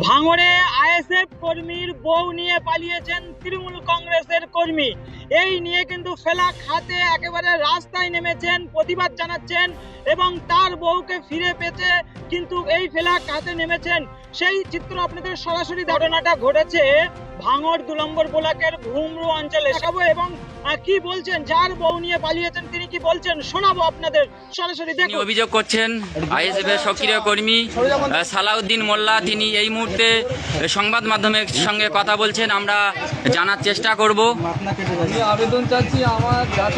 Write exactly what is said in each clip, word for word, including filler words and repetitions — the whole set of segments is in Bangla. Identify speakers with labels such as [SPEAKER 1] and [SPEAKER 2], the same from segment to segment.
[SPEAKER 1] ভাঙড়ে আইএসএফ কর্মীর বউ নিয়ে পালিয়েছেন তৃণমূল কংগ্রেসের কর্মী। এই নিয়ে কিন্তু ফেলাক হাতে একেবারে রাস্তায় নেমেছেন, প্রতিবাদ জানাচ্ছেন এবং তার বউকে ফিরে পেতে কিন্তু এই ফেলাক হাতে নেমেছেন। সেই চিত্র আপনাদের সরাসরি ঘটনাটা ঘটেছে ভাঙড় দু নম্বর ব্লকের ঘুমরু অঞ্চলে এবং কি বলছেন যার বউ নিয়ে পালিয়েছেন তিনি কি বলছেন শোনাবো আপনাদের সরাসরি। দেখুন,
[SPEAKER 2] অভিযোগ করছেন আইএসএফ এর সক্রিয় কর্মী সালাউদ্দিন মোল্লা, তিনি এই মুহূর্তে সংবাদ মাধ্যমের সঙ্গে কথা বলছেন, আমরা জানার চেষ্টা করব।
[SPEAKER 3] আমি আবেদন চাচ্ছি আমার যাতে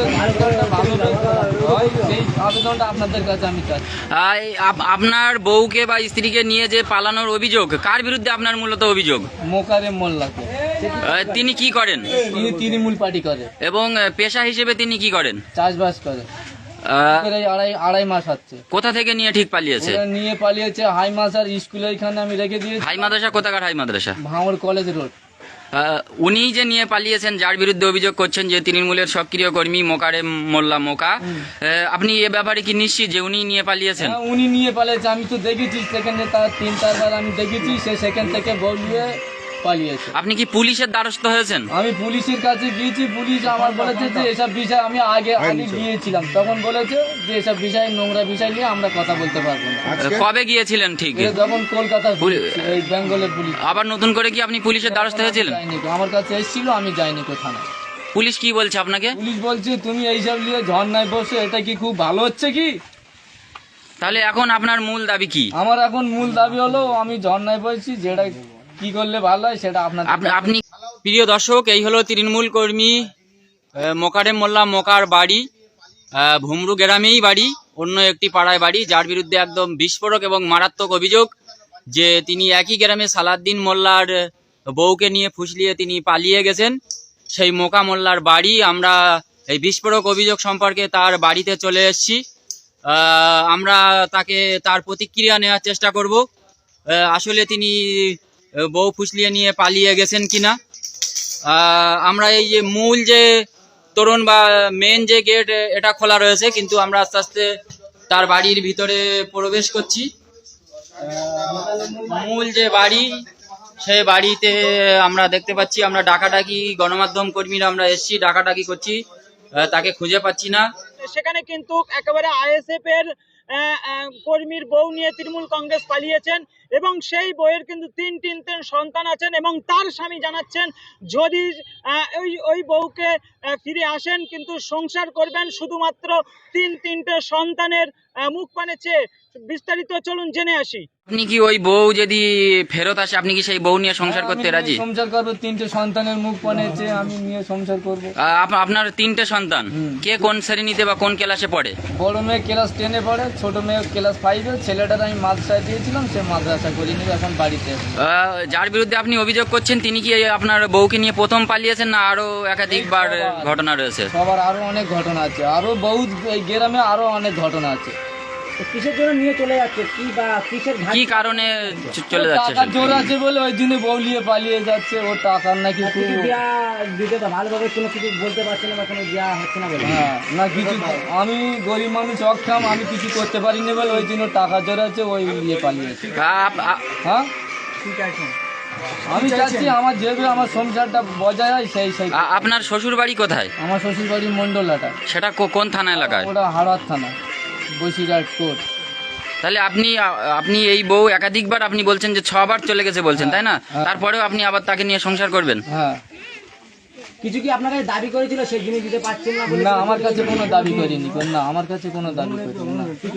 [SPEAKER 3] সেই আবেদনটা আপনাদের কাছে আমি চাচ্ছি।
[SPEAKER 2] আপনার বউকে বা স্ত্রীকে নিয়ে যে পালানোর অভিযোগ, কার বিরুদ্ধে আপনার মূলত অভিযোগ?
[SPEAKER 3] মোকারেম মোল্লাকে।
[SPEAKER 2] তিনি কি করেন?
[SPEAKER 3] তিনি তৃণমূল পার্টি করে
[SPEAKER 2] এবং পেশা হিসেবে তিনি কি করেন?
[SPEAKER 3] চাষবাস করে। আড়াই আড়াই মাস হচ্ছে।
[SPEAKER 2] কোথা থেকে নিয়ে ঠিক পালিয়েছে?
[SPEAKER 3] নিয়ে পালিয়েছে হাই মাদ্রাসার স্কুলে, এখানে আমি রেখে দিয়েছি।
[SPEAKER 2] হাই মাদ্রাসা কোথাকার হাই মাদ্রাসা?
[SPEAKER 3] ভাঙড় কলেজ রোড।
[SPEAKER 2] উনি যে নিয়ে পালিয়েছেন, যার বিরুদ্ধে অভিযোগ করছেন যে তৃণমূলের সক্রিয় কর্মী মোকারেম মোল্লা মোকা, আপনি এ ব্যাপারে কি নিশ্চিত যে উনি নিয়ে পালিয়েছেন?
[SPEAKER 3] উনি নিয়ে পালিয়েছে, আমি তো দেখেছি সেখানে তার তিন চারবার আমি দেখেছি সে সেখান থেকে বলিয়ে পালিয়েছে।
[SPEAKER 2] আপনি কি পুলিশের দ্বারস্থ হয়েছেন?
[SPEAKER 3] আমি পুলিশের কাছে গিয়েছি, পুলিশ আমার বলেছে যে এসব বিষয় আমি আগে আগে গিয়েছিলাম, তখন বলেছে যে এসব বিষয় নোংরা বিষয় নিয়ে আমরা কথা বলতে পারবো না।
[SPEAKER 2] কবে গিয়েছিলেন ঠিক?
[SPEAKER 3] যখন কলকাতা বেঙ্গলের পুলিশ।
[SPEAKER 2] আবার নতুন করে কি আপনি পুলিশের দ্বারস্থ হয়েছিলেন?
[SPEAKER 3] আমার কাছে এসেছিল, আমি যাইনি কোথাও।
[SPEAKER 2] পুলিশ কি বলছে আপনাকে?
[SPEAKER 3] পুলিশ বলছে তুমি এইসব নিয়ে ঝর্ণায় বসে, এটা কি খুব ভালো হচ্ছে কি?
[SPEAKER 2] তাহলে এখন আপনার মূল দাবি কি?
[SPEAKER 3] আমার এখন মূল দাবি হলো আমি ঝর্ণায় বসছি, যেটা কি করলে ভালো হয় সেটা আপনার।
[SPEAKER 2] আপনি প্রিয় দর্শক, এই হলো তৃণমূল কর্মী মোকারেম মোল্লা মোকার বাড়ি, ভুমরু গ্রামেই বাড়ি, অন্য একটি পাড়ায় বাড়ি, যার বিরুদ্ধে একদম বিস্ফোরক এবং মারাত্মক অভিযোগ যে তিনি একই গ্রামে সালাউদ্দিন মোল্লার বউকে নিয়ে ফুসলিয়ে তিনি পালিয়ে গেছেন। সেই মোকা মোল্লার বাড়ি, আমরা এই বিস্ফোরক অভিযোগ সম্পর্কে তার বাড়িতে চলে এসেছি। আমরা তাকে তার প্রতিক্রিয়া নেওয়ার চেষ্টা করব, আসলে তিনি বউ ফুসলিয়ে নিয়ে পালিয়ে গেছেন কিনা। আমরা এই যে মূল যে তোরণ বা মেন যে গেট, এটা খোলা রয়েছে, কিন্তু আমরা আস্তে আস্তে তার বাড়ির ভিতরে প্রবেশ করছি। মূল যে বাড়ি, সেই বাড়িতে আমরা দেখতে পাচ্ছি, আমরা ডাকাডাকি গণমাধ্যম কর্মীরা আমরা এসছি, ডাকাডাকি করছি, তাকে খুঁজে পাচ্ছি না।
[SPEAKER 1] সেখানে কিন্তু একেবারে আইএসএফ এর কর্মীর বউ নিয়ে তৃণমূল কংগ্রেস পালিয়েছেন এবং সেই বইয়ের কিন্তু তিন তিন তিন সন্তান আছেন এবং তার স্বামী জানাচ্ছেন যদি ওই ওই বউকে ফিরে আসেন কিন্তু সংসার করবেন শুধুমাত্র তিন তিনটে সন্তানের মুখ পানে চেয়ে। বিস্তারিত চলুন জেনে আসি।
[SPEAKER 2] আপনি কি ওই বউ যদি ফেরত আসে, আপনি কি সেই বউ নিয়ে সংসার করতে রাজি?
[SPEAKER 3] সংসার করবো, তিনটে সন্তানের মুখ পানে চেয়ে আমি নিয়ে সংসার করবো।
[SPEAKER 2] আপনার তিনটে সন্তান, কে কোন শ্রেণীতে বা কোন ক্লাসে পড়ে?
[SPEAKER 3] বড় মেয়ে ক্লাস টেনে পড়ে, ছোট মেয়ে ক্লাস ফাইভে। ছেলেটার আমি মাদ্রাসায় দিয়েছিলাম, সে মাদ্রাসা করিনি, এখন বাড়িতে।
[SPEAKER 2] যার বিরুদ্ধে আপনি অভিযোগ করছেন তিনি কি আপনার বউকে নিয়ে প্রথম পালিয়েছেন না আরো একাধিকবার ঘটনা রয়েছে?
[SPEAKER 3] সবার আরো অনেক ঘটনা আছে, আরো বহুত এই গ্রামে আরো অনেক ঘটনা আছে।
[SPEAKER 1] কিসের জন্য নিয়ে চলে যাচ্ছে, কি বা কিসের
[SPEAKER 2] কি কারণে চলে যাচ্ছে?
[SPEAKER 3] টাকা জোর আছে বলে ওই দিনে বউলিয়ে পালিয়ে যাচ্ছে, ও টাকার নাকি
[SPEAKER 1] ভালোভাবে কোনো কিছু বলতে পারছে না বা কোনো দেওয়া হচ্ছে না বলে।
[SPEAKER 3] হ্যাঁ, না কিছু, আমি গরিব মানুষ, অক্ষম, আমি কিছু করতে পারিনি বলে ওই দিনে টাকা জোর আছে, ওই নিয়ে পালিয়েছে। হ্যাঁ, ঠিক আছে। আমি চাচ্ছি আমার যেভাবে আমার সংসারটা বজায় হয় সেই সেই।
[SPEAKER 2] আপনার শ্বশুর বাড়ি কোথায়?
[SPEAKER 3] আমার শ্বশুর বাড়ি মন্ডলাটা।
[SPEAKER 2] সেটা কোন থানা এলাকায়?
[SPEAKER 3] ওটা হাড়ার থানা, বসিরহাট কোর্ট।
[SPEAKER 2] তাহলে আপনি আপনি এই বউ একাধিকবার আপনি বলছেন যে ছবার চলে গেছে বলছেন, তাই না? তারপরেও আপনি আবার তাকে নিয়ে সংসার করবেন?
[SPEAKER 3] হ্যাঁ।
[SPEAKER 1] কিছু কি আপনার কাছে দাবি করেছিল সেই জিনিস দিতে পারছেন না?
[SPEAKER 3] না, আমার কাছে কোনো দাবি করিনি, না আমার কাছে কোনো দাবি করিনি না।